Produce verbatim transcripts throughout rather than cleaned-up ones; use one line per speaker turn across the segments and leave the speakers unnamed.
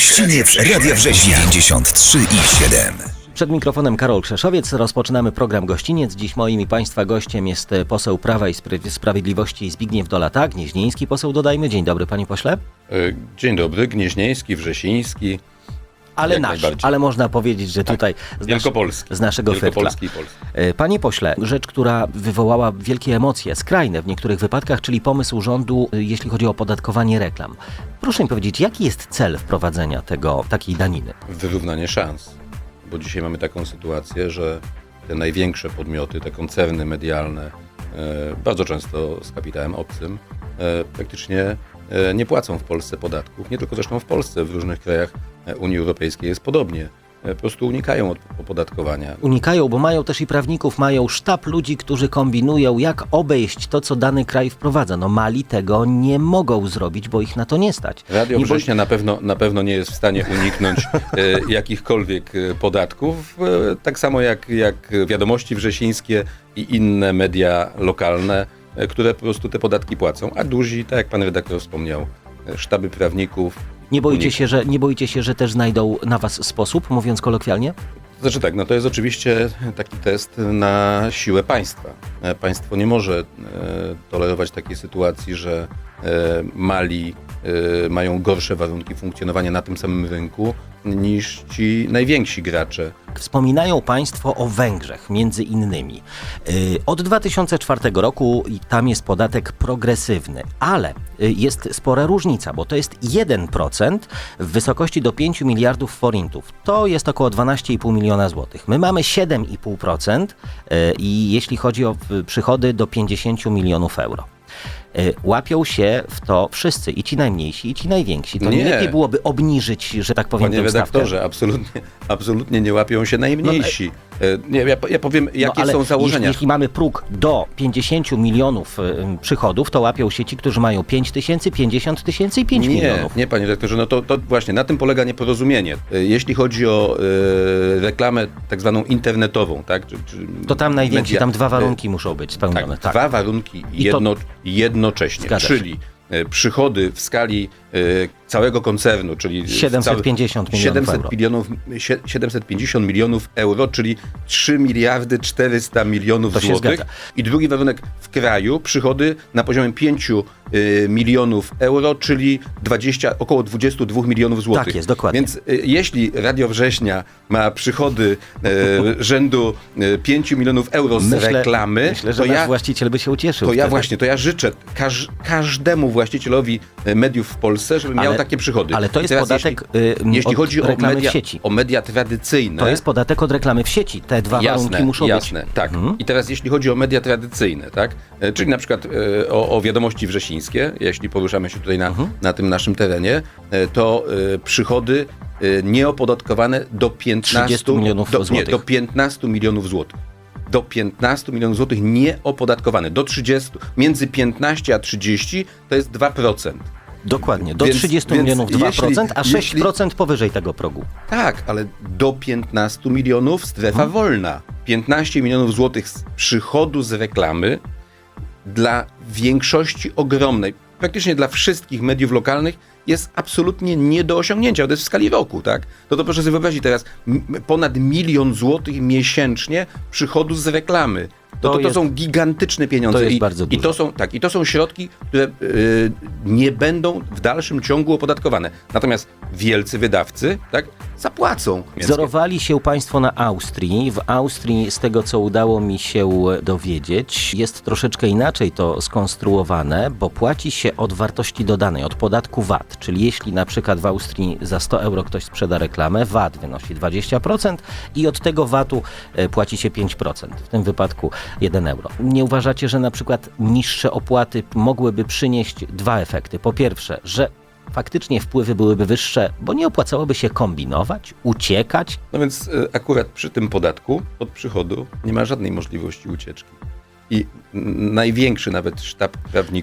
Gościniec Radia Września dziewięćdziesiąt trzy i siedem.
Przed mikrofonem Karol Krzeszowiec. Rozpoczynamy program Gościniec. Dziś moim i Państwa gościem jest poseł Prawa i Sprawiedliwości Zbigniew Dolata, gnieźnieński poseł, dodajmy. Dzień dobry, panie pośle.
Dzień dobry, gnieźnieński, wrzesiński.
Ale nasz, ale można powiedzieć, że
tak,
tutaj z,
Wielkopolski.
z naszego
Wielkopolski
fytla.
i Polski.
Panie pośle, rzecz, która wywołała wielkie emocje, skrajne w niektórych wypadkach, czyli pomysł rządu, jeśli chodzi o opodatkowanie reklam. Proszę mi powiedzieć, jaki jest cel wprowadzenia tego, takiej daniny?
Wyrównanie szans. Bo dzisiaj mamy taką sytuację, że te największe podmioty, te koncerny medialne, e, bardzo często z kapitałem obcym, e, praktycznie e, nie płacą w Polsce podatków. Nie tylko zresztą w Polsce, w różnych krajach Unii Europejskiej jest podobnie. Po prostu unikają od opodatkowania.
Unikają, bo mają też i prawników, mają sztab ludzi, którzy kombinują, jak obejść to, co dany kraj wprowadza. No Mali tego nie mogą zrobić, bo ich na to nie stać.
Radio
nie
Września bo... na, pewno, na pewno nie jest w stanie uniknąć e, jakichkolwiek podatków. E, tak samo jak, jak Wiadomości Wrzesińskie i inne media lokalne, e, które po prostu te podatki płacą. A duzi, tak jak pan redaktor wspomniał, e, sztaby prawników.
Nie boicie się, że, nie boicie się, że też znajdą na was sposób, mówiąc kolokwialnie?
Znaczy tak, no to jest oczywiście taki test na siłę państwa. Państwo nie może e, tolerować takiej sytuacji, że e, mali e, mają gorsze warunki funkcjonowania na tym samym rynku niż ci najwięksi gracze.
Wspominają państwo o Węgrzech, między innymi. Yy, od dwa tysiące czwartego roku i tam jest podatek progresywny, ale yy, jest spora różnica, bo to jest jeden procent w wysokości do pięciu miliardów forintów. To jest około dwanaście i pół miliona złotych. My mamy siedem i pół procent yy, i jeśli chodzi o yy, przychody do pięćdziesięciu milionów euro. Łapią się w to wszyscy, i ci najmniejsi, i ci najwięksi. To nie, nie lepiej byłoby obniżyć, że tak powiem,
Panie
tę stawkę?
redaktorze, absolutnie, absolutnie nie łapią się najmniejsi. No, nie, ja, ja powiem, jakie
no,
są założenia.
Jeśli, jeśli mamy próg do pięćdziesięciu milionów y, przychodów, to łapią się ci, którzy mają pięć tysięcy, pięćdziesiąt tysięcy i pięć
nie,
milionów.
Nie, panie redaktorze, no to, to właśnie na tym polega nieporozumienie. Jeśli chodzi o y, reklamę tak zwaną internetową, tak? Czy, czy
to tam najwięksi,
media,
tam dwa warunki y, muszą być spełnione.
Tak,
tak.
Dwa warunki jedno,
to...
jednocześnie,
Zgadza
czyli się. Przychody w skali y, całego koncernu, czyli
siedemset pięćdziesiąt milionów euro.
Milionów, siedemset pięćdziesiąt milionów euro, czyli trzy miliardy czterysta milionów złotych. I drugi warunek w kraju, przychody na poziomie pięciu y, milionów euro, czyli dwadzieścia, około dwadzieścia dwa milionów złotych.
Tak jest, dokładnie.
Więc y, jeśli Radio Września ma przychody y, rzędu y, pięciu milionów euro z
myślę,
reklamy,
myślę, że
to
nasz
ja,
właściciel by się ucieszył.
To
wtedy.
ja właśnie, to ja życzę każ, każdemu właścicielowi mediów w Polsce, żeby ale, miał takie przychody.
Ale to jest podatek
jeśli, jeśli chodzi o media,
w sieci.
o media tradycyjne.
To jest podatek od reklamy w sieci. Te dwa
jasne,
warunki muszą
jasne, być. Tak. Mhm. I teraz jeśli chodzi o media tradycyjne, tak? Czyli na przykład e, o, o Wiadomości Wrzesińskie, jeśli poruszamy się tutaj na, mhm. na tym naszym terenie, e, to e, przychody e, nieopodatkowane do piętnastu
milionów
do,
złotych.
Nie, do piętnastu milionów złotych. Do piętnastu milionów złotych nieopodatkowane. Do trzydziestu, między piętnaście a trzydzieści to jest dwa procent.
Dokładnie, do
więc,
trzydziestu
więc
milionów dwa procent,
jeśli,
a sześć procent jeśli, powyżej tego progu.
Tak, ale do piętnastu milionów strefa hmm. wolna. piętnaście milionów złotych z przychodu z reklamy dla większości ogromnej, praktycznie dla wszystkich mediów lokalnych jest absolutnie nie do osiągnięcia. To jest w skali roku, tak? To to proszę sobie wyobrazić teraz, ponad milion złotych miesięcznie przychodu z reklamy. To, to, to, to jest, są gigantyczne pieniądze.
To jest
I,
bardzo dużo.
I to są, tak, i to są środki, które yy, nie będą w dalszym ciągu opodatkowane. Natomiast wielcy wydawcy, tak, zapłacą.
Wzorowali się państwo na Austrii. W Austrii, z tego co udało mi się dowiedzieć, jest troszeczkę inaczej to skonstruowane, bo płaci się od wartości dodanej, od podatku V A T. Czyli jeśli na przykład w Austrii za sto euro ktoś sprzeda reklamę, V A T wynosi dwadzieścia procent i od tego V A T-u płaci się pięć procent. W tym wypadku jeden euro. Nie uważacie, że na przykład niższe opłaty mogłyby przynieść dwa efekty? Po pierwsze, że faktycznie wpływy byłyby wyższe, bo nie opłacałoby się kombinować, uciekać?
No więc y, akurat przy tym podatku od przychodu nie ma żadnej możliwości ucieczki. I największy nawet sztab prawników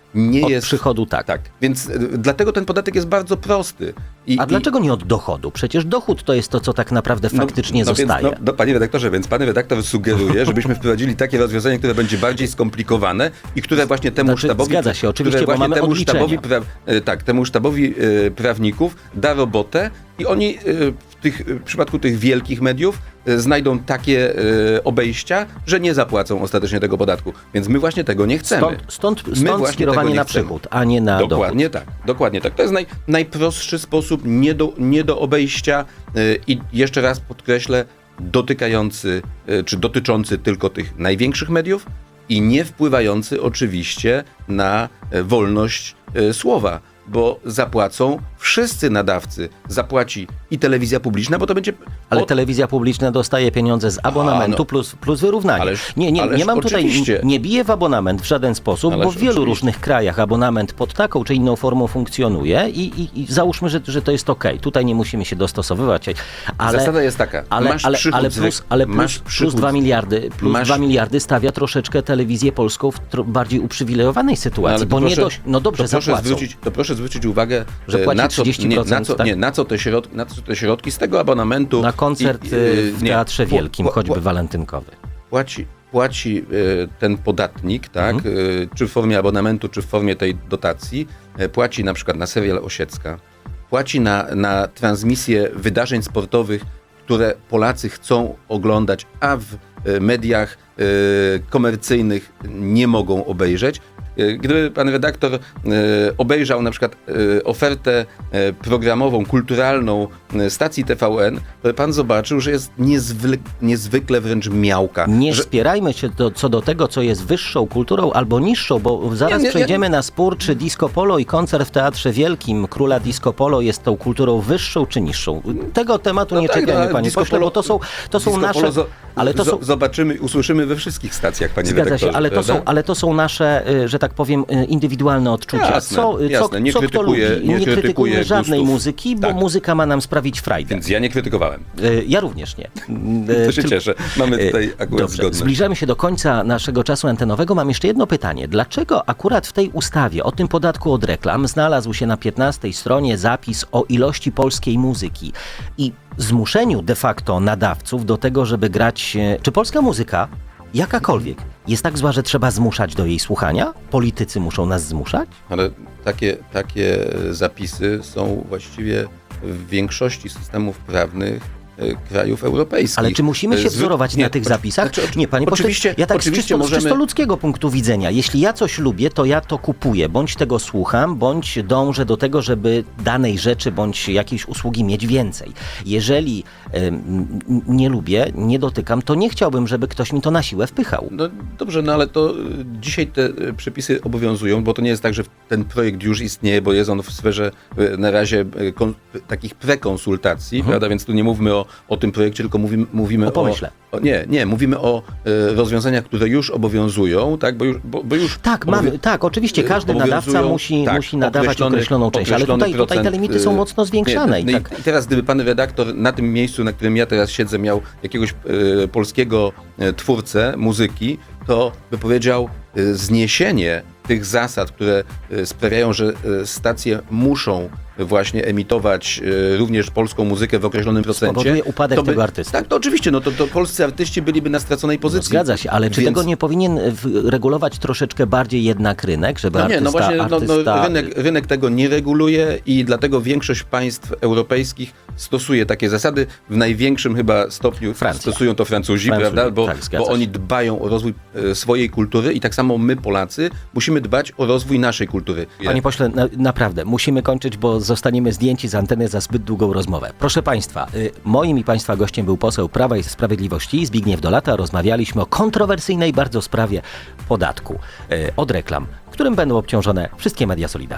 nie
Od
jest...
przychodu tak.
Tak, więc y, dlatego ten podatek jest bardzo prosty. I,
A
i-
dlaczego nie od dochodu? Przecież dochód to jest to, co tak naprawdę faktycznie
no,
zostaje.
Więc, no, no, panie redaktorze, więc pan redaktor sugeruje, żebyśmy wprowadzili takie rozwiązanie, które będzie bardziej skomplikowane i które właśnie temu
Znaczy,
sztabowi...
zgadza się, oczywiście,
które
bo
właśnie
mamy
temu
odliczenia.
sztabowi pra, e, tak, temu sztabowi e, prawników da robotę i oni e, w, tych, w przypadku tych wielkich mediów e, znajdą takie e, obejścia, że nie zapłacą ostatecznie tego podatku. Więc my właśnie tego nie chcemy.
Stąd, stąd,
My
stąd
właśnie
skierowanie
tego nie
na
chcemy.
przychód, a nie na dochód.
Dokładnie tak, dokładnie tak. To jest naj, najprostszy sposób, nie do, nie do obejścia yy, i jeszcze raz podkreślę, dotykający, yy, czy dotyczący tylko tych największych mediów i nie wpływający oczywiście na yy, wolność yy, słowa, bo zapłacą wszyscy nadawcy. Zapłaci i telewizja publiczna, bo to będzie...
Ale
od-
telewizja publiczna dostaje pieniądze z abonamentu
no.
plus, plus wyrównanie.
Ależ-
nie, nie,
ależ
nie mam tutaj,
oczywiście.
nie biję w abonament w żaden sposób,
Ależ
bo w wielu
oczywiście.
różnych krajach abonament pod taką czy inną formą funkcjonuje i, i, i załóżmy, że, że to jest okej. Tutaj nie musimy się dostosowywać. Ale,
Zasada jest taka,
ale,
masz
ale,
przychód
ale
z
plus,
rek-
ale plus,
masz
plus
przychód
dwa
z-
miliardy, plus
masz-
dwa miliardy stawia troszeczkę telewizję polską w tro, bardziej uprzywilejowanej sytuacji,
ale to
bo nie
proszę-
dość, no dobrze,
to proszę,
zapłacą.
zwrócić, to proszę zwrócić uwagę,
Że
e,
płaci
na co,
trzydzieści
nie,
procent,
na, co,
tak?
nie, na, co te środki, na co te środki z tego abonamentu...
Na koncert
i-
y, w
nie,
Teatrze
pł-
Wielkim,
pł-
choćby
pł-
walentynkowy.
Płaci, płaci e, ten podatnik, tak,
Mhm.
e, czy w formie abonamentu, czy w formie tej dotacji, e, płaci na przykład na serial Osiecka, płaci na, na transmisję wydarzeń sportowych, które Polacy chcą oglądać, a w e, mediach e, komercyjnych nie mogą obejrzeć. E, Gdyby pan redaktor e, obejrzał na przykład e, ofertę e, programową, kulturalną e, stacji T V N, to by pan zobaczył, że jest niezwykle, niezwykle wręcz miałka.
Nie
że,
spierajmy się do, co do tego, co jest wyższą kulturą albo niższą, bo zaraz
Nie, nie,
przejdziemy na spór, czy disco polo i koncert w Teatrze Wielkim Króla Disco Polo jest tą kulturą wyższą czy niższą. Tego tematu
No
nie
tak,
czepiajmy,
no,
panie
disco
pośle,
polo-
bo to są, to są
disco
nasze...
polo zo-
ale to
zo-
są...
Zobaczymy i usłyszymy we wszystkich stacjach, panie
Zgadza
redaktorze.
się, ale to,
prawda?
są, ale to są nasze, y, że tak powiem, y, indywidualne odczucia.
Jasne,
co, y,
jasne.
co,
Nie
co kto
krytykuję-
lubi.
nie
Nie krytykujmy
krytykuję
żadnej
gustów.
muzyki, bo
Tak.
muzyka ma nam sprawić frajdę.
Więc ja nie krytykowałem.
Y, Ja również nie.
To się
Tyl-
cieszę. Mamy tutaj akurat
Dobrze,
zgodność.
zbliżamy się do końca naszego czasu antenowego. Mam jeszcze jedno pytanie. Dlaczego akurat w tej ustawie o tym podatku od reklam znalazł się na piętnastej stronie zapis o ilości polskiej muzyki i zmuszeniu de facto nadawców do tego, żeby grać... e, Czy polska muzyka, jakakolwiek, jest tak zła, że trzeba zmuszać do jej słuchania? Politycy muszą nas zmuszać?
Ale takie, takie zapisy są właściwie w większości systemów prawnych e, krajów europejskich.
Ale czy musimy się
Zwy-
wzorować
nie,
na tych
oczy-
zapisach?
znaczy, oczy-
nie, panie pośle,
oczywiście,
ja tak z
oczywiście
czysto,
możemy...
z czysto ludzkiego punktu widzenia. Jeśli ja coś lubię, to ja to kupuję, bądź tego słucham, bądź dążę do tego, żeby danej rzeczy, bądź jakiejś usługi mieć więcej. Jeżeli ym, nie lubię, nie dotykam, to nie chciałbym, żeby ktoś mi to na siłę wpychał.
No dobrze, no ale to y, dzisiaj te y, przepisy obowiązują, bo to nie jest tak, że ten projekt już istnieje, bo jest on w sferze y, na razie y, kon, takich prekonsultacji,
Mhm.
prawda? Więc tu nie mówmy o, o tym projekcie, tylko mówimy, mówimy
O pomyśle.
o... o nie, nie, mówimy o y, rozwiązaniach, które już obowiązują, tak? Bo już, bo, bo już
Tak,
obowią-
mamy, tak, oczywiście każdy
obowiązują,
nadawca musi,
tak,
musi nadawać
określony-
określoną część, ale
określony
tutaj, tutaj te
procent,
limity są
y,
mocno zwiększane.
Nie,
i
no
tak.
i teraz gdyby pan redaktor na tym miejscu, na którym ja teraz siedzę, miał jakiegoś e, polskiego e, twórcę muzyki, to by powiedział e, zniesienie tych zasad, które e, sprawiają, że e, stacje muszą właśnie emitować e, również polską muzykę w określonym procencie.
Spowoduje upadek
to by,
tego artysty.
Tak, to oczywiście, no to, to polscy artyści byliby na straconej
No,
pozycji.
zgadza się, ale czy
Więc-
tego nie powinien w- regulować troszeczkę bardziej jednak rynek, żeby
No nie,
artysta...
no właśnie no,
artysta...
no, rynek, rynek tego nie reguluje i dlatego większość państw europejskich stosuje takie zasady. W największym chyba stopniu
Francja.
stosują to Francuzi,
Francuzi,
prawda? Bo,
tak, zgadza
bo
się.
oni dbają o rozwój e, swojej kultury i tak samo my, Polacy, musimy dbać o rozwój naszej kultury.
Panie pośle, na, naprawdę, musimy kończyć, bo zostaniemy zdjęci z anteny za zbyt długą rozmowę. Proszę Państwa, y, moim i Państwa gościem był poseł Prawa i Sprawiedliwości Zbigniew Dolata. Rozmawialiśmy o kontrowersyjnej bardzo sprawie podatku y, od reklam, którym będą obciążone wszystkie media solidarnie.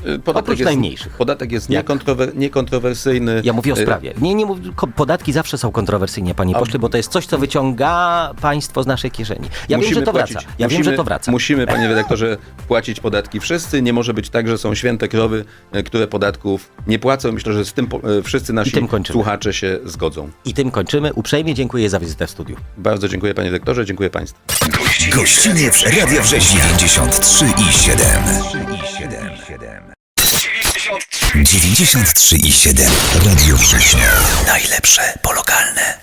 Podatek
Oprócz
jest,
najmniejszych.
Podatek jest
Jak?
niekontrower, niekontrowersyjny.
Ja mówię o
Y,
sprawie. Nie, nie, mów- ko- podatki zawsze są kontrowersyjne, panie pośle, bo to jest coś, co wyciąga państwo z naszej kieszeni. Ja wiem, że to
płacić-
wraca. Ja
musimy,
wiem, że to wraca.
Musimy, panie redaktorze, płacić podatki wszyscy. Nie może być tak, że są święte krowy, e, które podatków nie płacą. Myślę, że z tym po- e, wszyscy nasi
tym kończymy.
słuchacze się zgodzą.
I tym kończymy. Uprzejmie dziękuję za wizytę w studiu.
Bardzo dziękuję, panie redaktorze, dziękuję państwu.
Gościniec Radia Września dziewięćdziesiąt trzy i siedem. dziewięćdziesiąt trzy i siedem. Radio Września. Najlepsze po lokalne.